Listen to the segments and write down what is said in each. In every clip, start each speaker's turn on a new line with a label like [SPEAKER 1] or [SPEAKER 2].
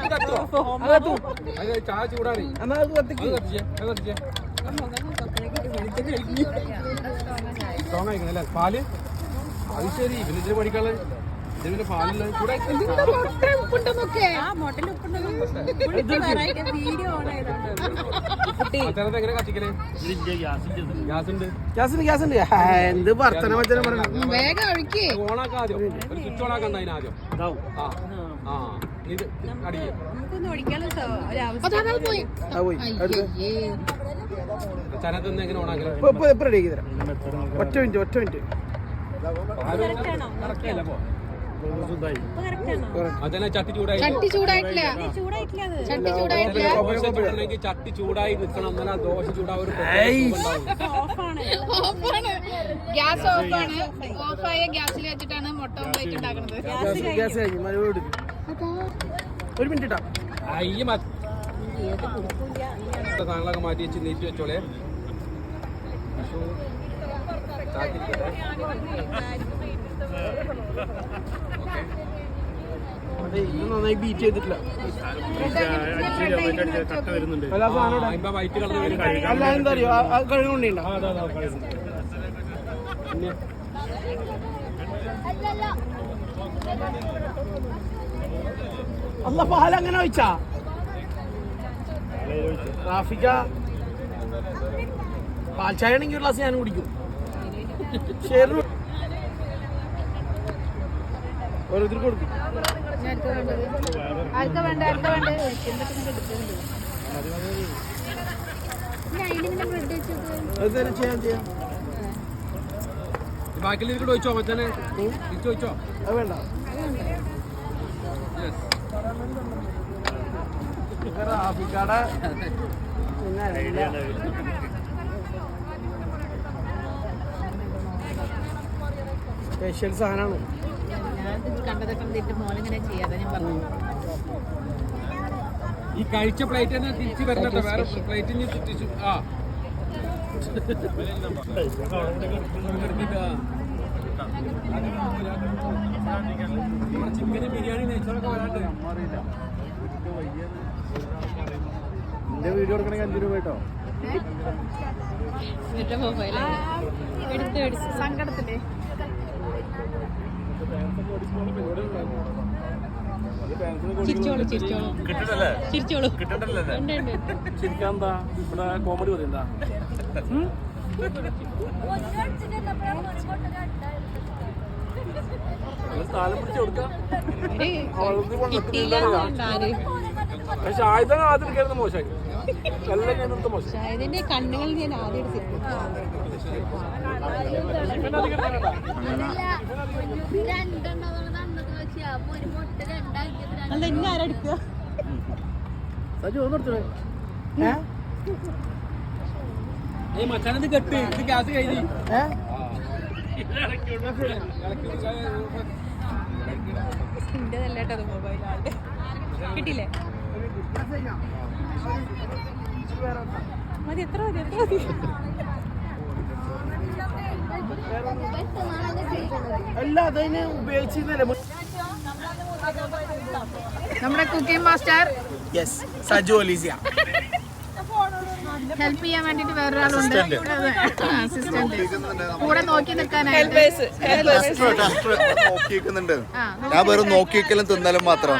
[SPEAKER 1] ചായ ചൂടാണ് സ്ട്രോങ് ആയിക്കണല്ലേ പാല് അത് ശരി പിന്നെ ഇതിന് പഠിക്കാനുള്ള ഇതിന് പാലില്ല എങ്ങനെ കത്തിക്കലേ ഗ്യാസ് ഉണ്ട് എന്ത് ഭർത്തന മറ്റേ ഓണാക്കാം ആദ്യം ഒരു സ്വിച്ച് ഓണാക്കണ്ട അതിനാദ്യം ആ ഇത് ചനത്തൊന്നും എങ്ങനെ ഓണാക്കലേ ഒറ്റ മിനിറ്റ് ചട്ടി ചൂടായി നിൽക്കണം എന്നാലും ആ ദോശ ചൂടാവും
[SPEAKER 2] ഗ്യാസ് ഓഫാണ് ഓഫായ ഗ്യാസിൽ വെച്ചിട്ടാണ് മുട്ട ഓംപ്ലേറ്റ് ഉണ്ടാക്കുന്നത്
[SPEAKER 1] ഒരു മിനിറ്റ് സാധനങ്ങളൊക്കെ മാറ്റി വെച്ച് നീറ്റ് വെച്ചോളെ നന്നായി ബീറ്റ് ചെയ്തിട്ടില്ല അല്ല എന്താ അറിയോ കഴുകൊണ്ടില്ല അല്ല പാലങ്ങനെ ഒഴിച്ചാ ട്രാഫിക്ക പാൽ ചായ ആണെങ്കിൽ ഒരു ഗ്ലാസ് ഞാൻ കുടിക്കും ശരി ഓരോരുത്തർക്ക് കൊടുക്കും ബാക്കിൽ ഇതിൽ ചോദിച്ചോ മച്ചാനെ ചോദിച്ചോ അത് വേണ്ട റാഫിക്കാടെ സ്പെഷ്യൽ സാധനമാണ് ഈ കഴിച്ച പ്ലേറ്റ് തന്നെ തിരിച്ചു വരണോ വേറെ പ്ലേറ്റിന് ചുറ്റിച്ചു ആ ചിക്കന് ബിരിയാണി നെയ്ച്ചോറൊക്കെ വരാണ്ട് എന്റെ വീഡിയോ എടുക്കണമെങ്കിൽ 5 രൂപ കേട്ടോ
[SPEAKER 2] സങ്കടത്തില്ലേ
[SPEAKER 1] ചിരിക്കാന്താ ഇവിടെ കോമഡി പറയുന്നതാ താലം പിടിച്ച് കൊടുക്കാം പക്ഷെ ആയുധം ആദ്യം കയറുന്ന മോശമായി എല്ലാം കഴിഞ്ഞ മോശം
[SPEAKER 2] കണ്ണുകൾ ഞാൻ ആദ്യം
[SPEAKER 1] മച്ചാനത് കെട്ട് ഇത് ഗ്യാസ് കഴിഞ്ഞു
[SPEAKER 2] കിട്ടിയില്ലേ മതി എത്ര മതി
[SPEAKER 1] അല്ല അതിനെ ഉപയോഗിച്ചിരുന്നല്ലേ
[SPEAKER 2] നമ്മുടെ കുക്കിംഗ് മാസ്റ്റർ
[SPEAKER 1] സജു ഒലീസിയ
[SPEAKER 2] ഹെൽപ്പ് ചെയ്യാൻ വേണ്ടിട്ട് വേറൊരാളുണ്ട് അസിസ്റ്റന്റ് കൂടെ നോക്കി നിൽക്കാനായിട്ട്
[SPEAKER 3] ഞാൻ വെറും നോക്കിക്കലും തിന്നലും മാത്രം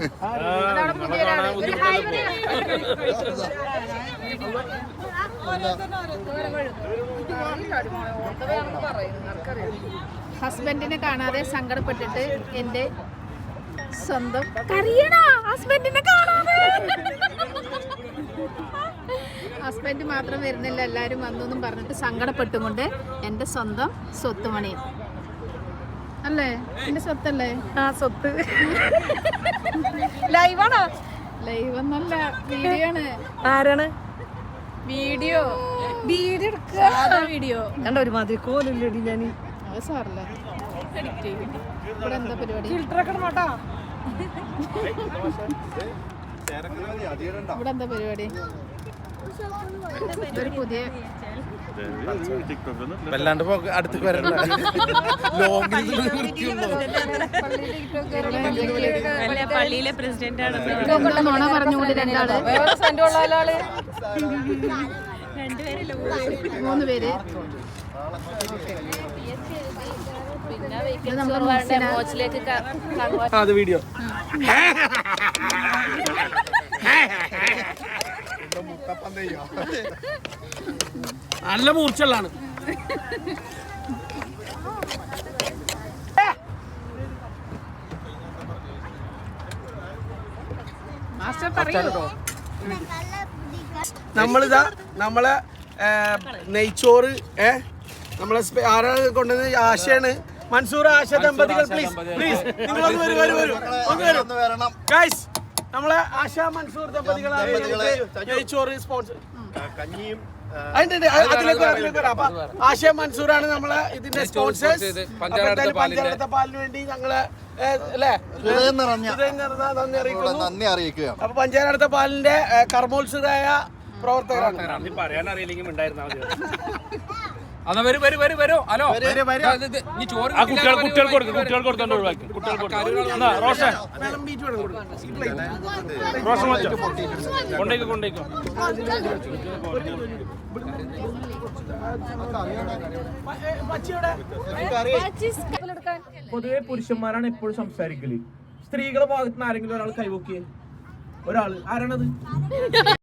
[SPEAKER 2] ഹസ്ബൻഡിനെ കാണാതെ സങ്കടപ്പെട്ടിട്ട് എന്റെ സ്വന്തം ഹസ്ബൻഡിനെ കാണാതെ ഹസ്ബൻഡ് മാത്രം വരുന്നില്ല എല്ലാവരും വന്നു എന്നും പറഞ്ഞിട്ട് സങ്കടപ്പെട്ടുകൊണ്ട് എൻ്റെ സ്വന്തം സ്വത്തുമണി അല്ലേ എൻ്റെ സ്വത്തല്ലേ
[SPEAKER 4] ആ സ്വത്ത് ലൈവാണോ
[SPEAKER 2] ലൈവ് ഒന്നല്ല വീഡിയോ ആണ്
[SPEAKER 4] ആരാണ്
[SPEAKER 2] വീഡിയോ വീഡിയോ
[SPEAKER 4] കണ്ട ഒരുമാതിരി കോലല്ലേടി ഞാൻ
[SPEAKER 2] അത് സാറില്ല ഇവിടെ എന്താ പരിപാടി
[SPEAKER 4] ഫിൽറ്ററൊക്കെ നോട്ടാ
[SPEAKER 2] ഇവിടെ എന്താ പരിപാടി ഇതൊരു പുതിയ
[SPEAKER 5] വല്ലാണ്ട് അടുത്തേക്ക് വരണ്ട
[SPEAKER 6] പള്ളിയിലെ പ്രസിഡന്റ് ആണ്.
[SPEAKER 2] നുണ പറഞ്ഞുകൊണ്ട് രണ്ടാള്, മൂന്ന് പേര്. ഇത് നമ്മുടെ മുഹ്സിന.
[SPEAKER 1] അത് വീഡിയോ നല്ല മൂർച്ചയുള്ളതാണ്.
[SPEAKER 2] മാസ്റ്റർ പറയൂ.
[SPEAKER 1] നമ്മളിതാ നമ്മളെ നെയ്ച്ചോറ് നമ്മളെ ആരാ കൊണ്ടുവന്നത്? ആശയാണ്, മൻസൂർ, ആശ ദമ്പതികൾ. പ്ലീസ് പ്ലീസ് നിങ്ങളൊന്ന് വരൂ. ഗൈസ്, നമ്മളെ ആശ മൻസൂർ ദമ്പതികളാണ് നെയ്ച്ചോറ് സ്പോൺസർ. അതിലേക്ക് വരാം. അപ്പൊ ആശ മൻസൂറാണ് നമ്മളെ ഇതിന്റെ സ്പോൺസേഴ്സ്. പഞ്ചായത്ത പാലിന് വേണ്ടി ഞങ്ങള്
[SPEAKER 3] നന്ദി അറിയിക്കുകയാണ്.
[SPEAKER 1] അപ്പൊ പഞ്ചായത്ത പാലിന്റെ കർമ്മോത്സുകരായ പ്രവർത്തകരാണ്.
[SPEAKER 7] പൊതുവെ പുരുഷന്മാരാണ് എപ്പോഴും സംസാരിക്കല്. സ്ത്രീകളുടെ ഭാഗത്ത് നിന്ന് ആരെങ്കിലും ഒരാൾ കൈവക്കിയേ? ഒരാള് ആരാണത്?